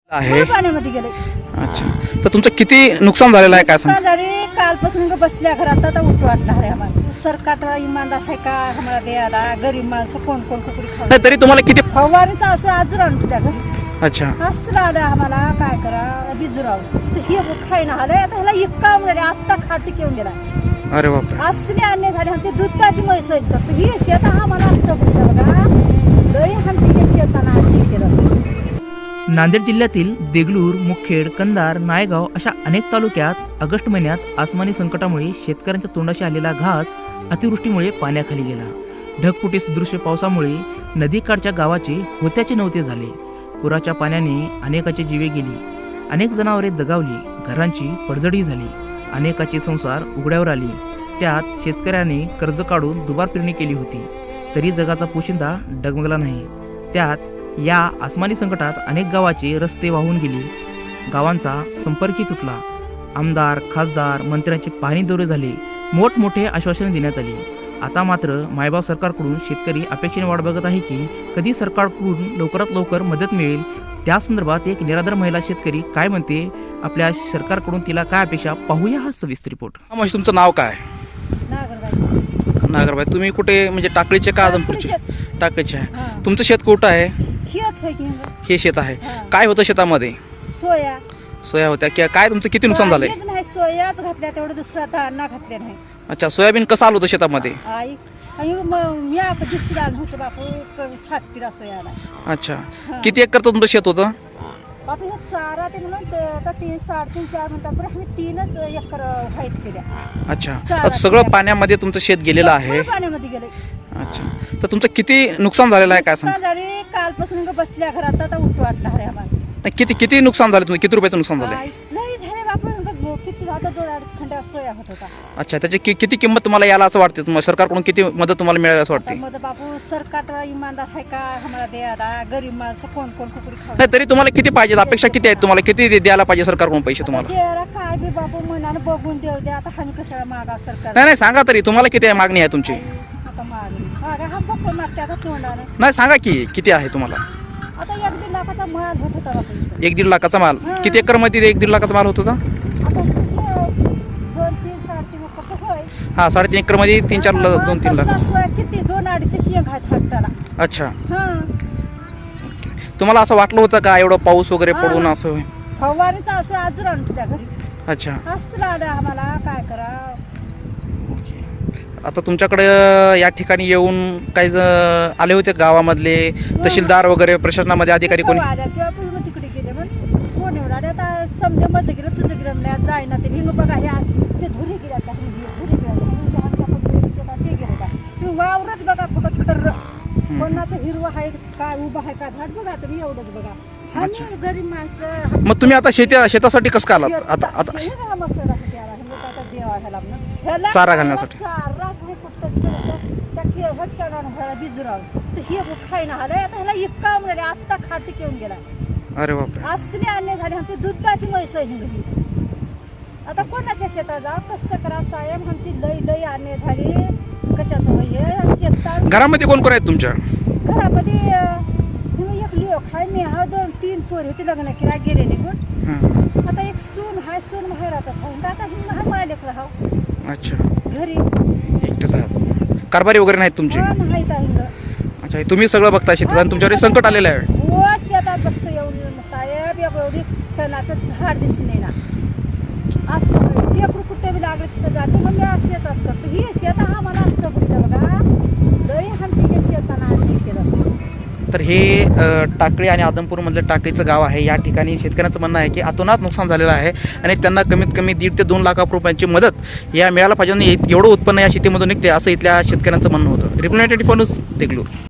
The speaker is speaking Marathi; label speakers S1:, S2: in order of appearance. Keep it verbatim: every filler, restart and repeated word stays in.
S1: आहे
S2: पाण्यामध्ये गेले.
S1: अच्छा, तर तुमचं किती नुकसान झालेलं आहे काय सांग?
S2: नुकसान झाले. कालपासून ग बसल्या घरात आता उठ वाटणार आहे आम्हाला. सरकार इमानदार आहे का आम्हाला द्यायला? गरीब माणसं कोण कोण कुकडी खाऊ?
S1: नाही तरी तुम्हाला किती?
S2: फवारणीचं औषध अजून आणून तुझ्या घरी
S1: अच्छा,
S2: असं आलं आम्हाला काय करा बिजुराव तर हे खायला आलंय. आता ह्याला इतका मिळाले आत्ता खाटी घेऊन गेला.
S1: अरे बापरे,
S2: असले अन्य झाले. आमची दुधाची म्हैस होईल तर ही शेत आम्हाला असं बोललं बघा लय आमची हे शेताना आणली केलं.
S3: नांदेड जिल्ह्यातील देगलूर, मुखेड, कंधार, नायगाव अशा अनेक तालुक्यात ऑगस्ट महिन्यात आसमानी संकटामुळे शेतकऱ्यांच्या तोंडाशी आलेला घास अतिवृष्टीमुळे पाण्याखाली गेला. ढगफुटी सदृश पावसामुळे नदीकाठच्या गावाचे होत्याचे नव्हते झाले. पुराच्या पाण्याने अनेकाची जीवे गेली, अनेक जनावरे दगावली, घरांची पडझडी झाली, अनेकाचे संसार उघड्यावर आले. त्यात शेतकऱ्याने कर्ज काढून दुबार पेरणी केली होती, तरी जगाचा पोशिंदा डगमगला नाही. त्यात या आसमानी संकटात अनेक गावाचे रस्ते वाहून गेले, गावांचा संपर्कही तुटला. आमदार, खासदार, मंत्र्यांचे पाहणी दौरे झाले, मोठमोठे आश्वासने देण्यात आली. आता मात्र मायबाप सरकारकडून शेतकरी अपेक्षेने वाट बघत आहे की कधी सरकारकडून लवकरात लवकर मदत मिळेल. त्या संदर्भात एक निराधार महिला शेतकरी काय म्हणते, आपल्या सरकारकडून तिला काय अपेक्षा, पाहूया हा सविस्तर रिपोर्ट.
S1: म्हणजे तुमचं नाव काय?
S2: नागरबाई
S1: नागरबाई. तुम्ही कुठे म्हणजे टाकळीचे का आदमपूरचे?
S2: टाकळीचेच.
S1: टाकळीचे आहे.
S2: हा.
S1: तुमचं शेत कुठं आहे?
S2: हेच आहे की हे.
S1: हे शेत आहे.
S2: हा.
S1: काय होतं शेतामध्ये?
S2: सोया
S1: सोया होत्या की काय? तुमचं किती नुकसान झालंय?
S2: काहीच नाही. सोयाच घातल्या तेवढं दुसरा दाणा घातल्या नाही.
S1: अच्छा, सोयाबीन कसं आलं होतं शेतामध्ये?
S2: आई आई मग मी आता दुसरी आलं होतं बापू क- छातीला सोयाला.
S1: अच्छा,
S2: हा.
S1: किती एकरचं तुमचं शेत होतं?
S2: बापू हे चारा ते म्हणून ते आता तीन साडेतीन चार म्हणतात बरं आम्ही तीनच एकर व्हाईट केल्या.
S1: अच्छा,
S2: चारा
S1: आता सगळं
S2: केल्या.
S1: पाण्यामध्ये तुमचं शेत गेलेलं आहे.
S2: सगळं पाण्यामध्ये गेले.
S1: अच्छा, तर तुमचं किती नुकसान झालेलं आहे काय सांग?
S2: नुकसान झाले. कालपासून ग बसल्या घरात आता उठ वाटणार आहे आम्हाला.
S1: नाही, किती किती नुकसान झालं तुम्ही? किती रुपयाचं नुकसान झालं?
S2: आई, लई झाले बापू ग- किती झालं दोन अडीच खंड्या सोया होत होता.
S1: अच्छा, त्याची कि- किती किंमत तुम्हाला याला असं वाटते? तुम्हाला सरकारकडून किती मदत तुम्हाला मिळाली असं
S2: आता
S1: वाटते?
S2: मग बापू सरकार इमानदार आहे का आम्हाला द्यायला? गरीब माणसं कोण कोण कुकडी खाऊ?
S1: नाही तरी तुम्हाला किती पाहिजे? अपेक्षा किती आहेत तुम्हाला? किती दे- द्यायला पाहिजे सरकारकडून पैसे तुम्हाला?
S2: द्यायला काय बी बापू मनानं बघून देऊ दे. आता आम्ही कशाला मागा सरकार?
S1: नाही नाही, सांगा तरी तुम्हाला किती आहे मागणी आहे तुमची?
S2: आता मागणी मागा हा पप्पा मागते आता तोंडानं.
S1: नाही सांगा की किती आहे तुम्हाला?
S2: आता एक दीड लाखाचा माल होत होता बापू इथं.
S1: एक दीड लाखाचा माल.
S2: हा.
S1: किती एकर मध्ये एक दीड लाखाचा माल होत होता?
S2: आता हे दोन तीन साडेतीन एकरचं होय.
S1: हा, साडेतीन एकर मध्ये तीन चार
S2: आता
S1: ल-
S2: हा
S1: दोन तीन लाख.
S2: कसला सोया किती दोन अडीचशे शेंग आहेत हट्टाला.
S1: अच्छा,
S2: हा
S1: तुम्हाला असं वाटलं होतं का एवढं पाऊस वगैरे
S2: हा.
S1: पडून असं?
S2: फवारणीचं औषध अजून आणून तुझ्या घरी
S1: अच्छा,
S2: असलं आलं आम्हाला काय करा.
S1: आता तुमच्याकडे या ठिकाणी येऊन काही ज- आले होते गावामधले तहसीलदार वगैरे, प्रशासनामध्ये अधिकारी कोणी?
S2: आल्या किंवा पूर्ण तिकडे गेले म्हणून कोण एवढा आले. आता समजा माझं गेलं तुझं गेलं म्हणलं जाय ना ते भिंग बघा हे आज ते धुरी गेल्या त्या धुरी गेल्या ते गेलं का तुम्ही वावरच बघा फक्त खर्र कोणाचं हिरवं आहे काय उभं आहे का झाड बघा तुम्ही एवढंच बघा. आम्ही गरीब माणसं.
S1: मग तुम्ही आता शेती शेतासाठी कसं का आलात? आता आता
S2: शेत- मस्तुरासाठी आला. हे लोकं आता देवा ह्याला म्हणून. ह्याला
S1: चारा घालण्यासाठी.
S2: चाराच नाही फक्त त्या के- वरच्या गाणं ह्याला बिजुराव तर हे खायला आलंय. आता ह्याला इतका मिळाले आत्ता खाटी घेऊन गेला.
S1: अरे बापरे,
S2: असले अन्य झाले. आमची दुधाची म्हैस होईल घरी. आता कोणाच्या शेतात जा कसं करा साहेब? आमची लई लई अन्य झाली. कशाचं होय हे शेतात?
S1: घरामध्ये कोण कोण आहेत तुमच्या?
S2: घरामध्ये अं, मी एक लिओ खाय मी हा दोन तीन पोरी होती लग्न केला गेले निघून.
S1: हां,
S2: आता एक सून हाय सून माहेरातच आहे. आता ही हा मालिक राहाव
S1: अच्छा,
S2: घरी
S1: एकटेच आहात. कारभारी वगैरे नाहीत तुमचे?
S2: हा माहीत आहे.
S1: अच्छा, तुम्ही सगळं बघता शेतात आणि तुमच्यावर हे संकट आलेलं आहे.
S2: हो शेतात बसतो एवढी साहेब एवढी तणाचं झाड दिसून येणार असं लेकरू कुठे बी लागले तिथं जाते. मग मी आज शेतात करतो. ही शेत आम्हाला असं बघितलं बघा लई आमची हे शेताना आणली केलं.
S1: तर हे अ, टाकळी आणि आदमपूरमधलं टाकळीचं गाव आहे. या ठिकाणी शेतकऱ्यांचं म्हणणं आहे की अतोनात नुकसान झालेलं आहे आणि त्यांना कमीत कमी दीड ते दोन लाख रुपयांची मदत या मिळायला पाहिजे. एवढं उत्पन्न या शेतीमधून निघते असं इथल्या शेतकऱ्यांचं म्हणणं होतं. Representative news Deglur.